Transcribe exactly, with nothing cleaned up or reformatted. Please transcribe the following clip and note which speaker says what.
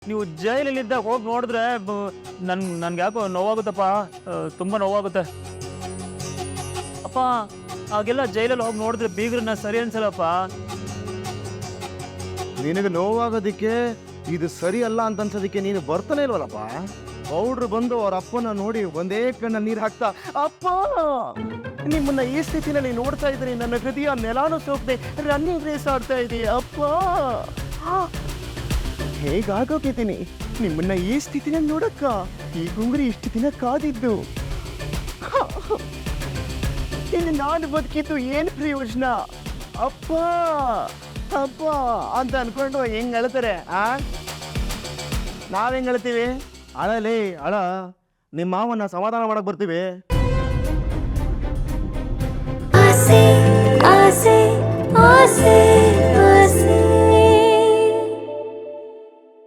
Speaker 1: ನೀವು ಜೈಲಲ್ಲಿದ್ದಾಗ ಹೋಗಿ ನೋಡಿದ್ರೆ ನನ್ ನನ್ಗೆ ಯಾಕೋ ನೋವಾಗುತ್ತಪ್ಪ, ತುಂಬ ನೋವಾಗುತ್ತೆ ಅಪ್ಪ. ಹಾಗೆಲ್ಲ ಜೈಲಲ್ಲಿ ಹೋಗಿ ನೋಡಿದ್ರೆ ಬೀಗ್ರನ್ನ ಸರಿ ಅನ್ಸಲ್ಲಪ್ಪ.
Speaker 2: ನಿನಗೆ ನೋವಾಗೋದಿಕ್ಕೆ ಇದು ಸರಿ ಅಲ್ಲ ಅಂತ ಅನ್ಸೋದಿಕ್ಕೆ ನೀನು ಬರ್ತಾನೆ ಇಲ್ವಲ್ಲಪ್ಪ. ಪೌಡ್ರು ಬಂದು ಅವ್ರ ಅಪ್ಪನ ನೋಡಿ ಒಂದೇ ಕಣ್ಣ ನೀರು ಹಾಕ್ತಾ, ಅಪ್ಪ ನಿಮ್ಮನ್ನ ಈ ಸ್ಥಿತಿನಲ್ಲಿ ನೋಡ್ತಾ ಇದ್ದೀನಿ, ನನ್ನ ಹೃದಯ ನೆಲಾನು ಸೋಕದೆ ರನ್ನಿಂಗ್ ರೇಸ್ ಆಡ್ತಾ ಇದೆ ಅಪ್ಪ. ಹೇಗಾಗೋಗಿದ್ದೀನಿ ನಿಮ್ಮನ್ನ ಈ ಸ್ಥಿತಿನಲ್ಲಿ ನೋಡಕ್ಕ. ಈ ಗುಂಗುರಿ ಇಷ್ಟು ದಿನ ಕಾದಿದ್ದು, ಇನ್ನು ನಾನು ಬದುಕಿದ್ದು ಏನು ಪ್ರಯೋಜನ ಅಪ್ಪ ಅಪ್ಪ ಅಂತ ಅನ್ಕೊಂಡು ಹೆಂಗ್ ಅಳ್ತಾರೆ. ಆ ನಾವ್ ಹೆಂಗ್ ಅಳ್ತೀವಿ? ಅಳಲಿ ಅಳ, ನಿಮ್ಮ ಮಾವನ್ನ ಸಮಾಧಾನ ಮಾಡಕ್ ಬರ್ತೀವಿ.
Speaker 3: ಆಸೆ ಆಸೆ ಆಸೆ